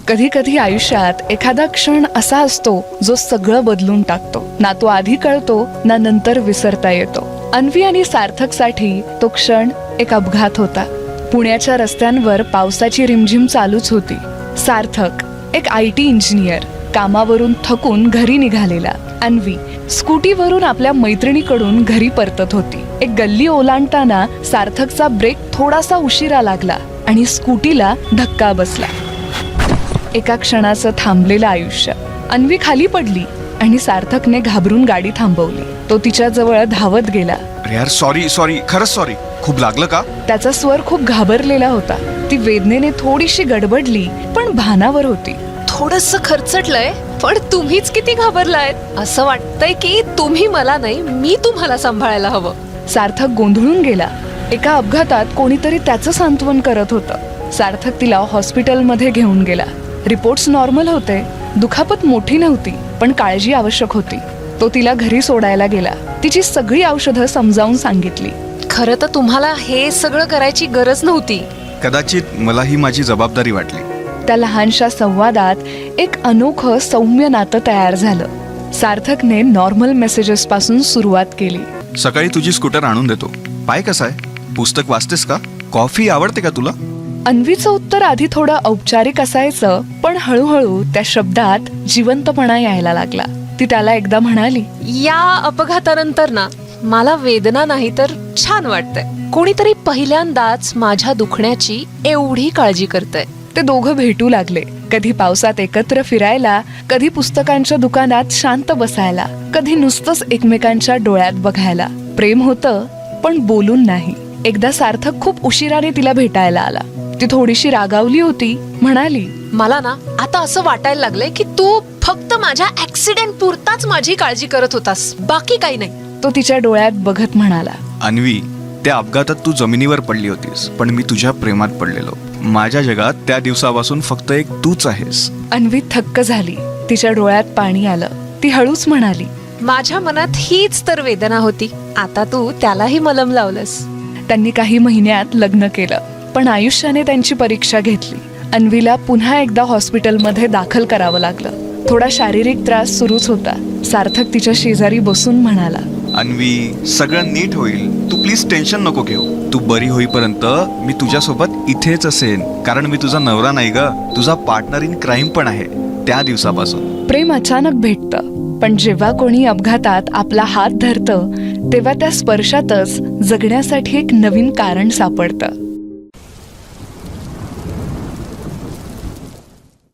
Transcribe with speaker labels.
Speaker 1: कधी कधी आयुष्यात एखादा क्षण असा असतो जो सगळं बदलून टाकतो. ना तो आधी कळतो ना नंतर विसरता येतो. अन्वी आणि सार्थकसाठी तो क्षण एक अपघात होता. पुण्याच्या रस्त्यांवर पावसाची रिमझिम चालूच होती. सार्थक एक IT इंजिनियर कामावरून थकून घरी निघालेला. अन्वी स्कूटीवरून आपल्या मैत्रिणीकडून घरी परतत होती. एक गल्ली ओलांडताना सार्थकचा ब्रेक थोडासा उशिरा लागला आणि स्कूटीला धक्का बसला. एका क्षणाचं थांबलेलं आयुष्य. अन्वी खाली पडली आणि सार्थकने घाबरून गाडी थांबवली. तो तिच्या जवळ धावत गेला.
Speaker 2: अरे यार सॉरी खरंच सॉरी. खूप लागलं का?
Speaker 1: त्याचा स्वर खूप घाबरलेला होता. ती वेदनेने थोडीशी गडबडली पण भानावर होती.
Speaker 3: थोडंसं खरचटलंय पण तुम्हीच किती घाबरलायत. असं वाटतंय की तुम्ही मला नाही मी तुम्हाला सांभाळायला हवं.
Speaker 1: सार्थक गोंधळून गेला. एका अपघातात कोणीतरी त्याचं सांत्वन करत होतं. सार्थक तिला हॉस्पिटलमध्ये घेऊन गेला. रिपोर्ट्स नॉर्मल होते. दुखापत मोठी नव्हती पण काळजी आवश्यक होती. तो तिला घरी सोडायला गेला. तिची सगळी औषधं समजावून सांगितली.
Speaker 3: खरं तर तुम्हाला हे सगळं करायची गरज नव्हती.
Speaker 2: कदाचित मला ही माझी जबाबदारी वाटली.
Speaker 1: त्या लहानशा संवादात एक अनोखं सौम्य नातं तयार झालं. सार्थकने नॉर्मल मेसेजेस पासून सुरुवात केली.
Speaker 2: सकाळी तुझी स्कूटर आणून देतो. पाय कसा आहे? पुस्तक वाचतेस का? कॉफी आवडते का तुला?
Speaker 1: अन्वीचं उत्तर आधी थोडं औपचारिक असायचं पण हळूहळू त्या शब्दात जिवंतपणा यायला लागला. ती त्याला एकदा म्हणाली,
Speaker 3: या अपघातानंतर ना मला वेदना नाही तर छान वाटतंय. कोणीतरी पहिल्यांदाच माझ्या दुखण्याची एवढी काळजी करतंय.
Speaker 1: ते दोघं भेटू लागले. कधी पावसात एकत्र फिरायला, कधी पुस्तकांच्या दुकानात शांत बसायला, कधी नुसतंच एकमेकांच्या डोळ्यात बघायला. प्रेम होतं पण बोलून नाही. एकदा सार्थक खूप उशिराने तिला भेटायला आला. ती थोडीशी रागावली होती. म्हणाली,
Speaker 3: मला ना आता असं वाटायला लागलंय की तू फक्त माझ्या ऍक्सिडेंट पुरताच माझी काळजी करत होतास, बाकी काही नाही.
Speaker 1: तो तिच्या डोळ्यात बघत म्हणाला,
Speaker 2: अन्वी, त्या अपघातात तू जमिनीवर पडली होतीस पण मी तुझ्या प्रेमात पडलेलो. माझ्या जगात त्या दिवसापासून फक्त एक तूच आहेस.
Speaker 1: अन्वी थक्क झाली. तिच्या डोळ्यात पाणी आलं. ती हळूच म्हणाली,
Speaker 3: माझ्या मनात हीच तर वेदना होती. आता तू त्यालाही मलम लावलंस.
Speaker 1: त्यांनी काही महिन्यात लग्न केलं पण आयुष्याने त्यांची परीक्षा घेतली. अन्वीला पुन्हा एकदा हॉस्पिटलमध्ये दाखल करावं लागलं. थोडा शारीरिक त्रास सुरूच होता. सार्थक तिच्या शेजारी बसून म्हणाला,
Speaker 2: अन्वी, सगळं नीट होईल. तू प्लीज टेन्शन नको घेऊ. तू बरी होईपर्यंत मी तुझ्यासोबत इथेच असेन. कारण मी तुझा नवरा नाही ग, तुझा पार्टनर इन क्राईम पण आहे. त्या दिवसापासून
Speaker 1: प्रेम अचानक भेटतं पण जेव्हा कोणी अपघातात आपला हात धरतं तेव्हा त्या स्पर्शातच जगण्यासाठी एक नवीन कारण सापडतं.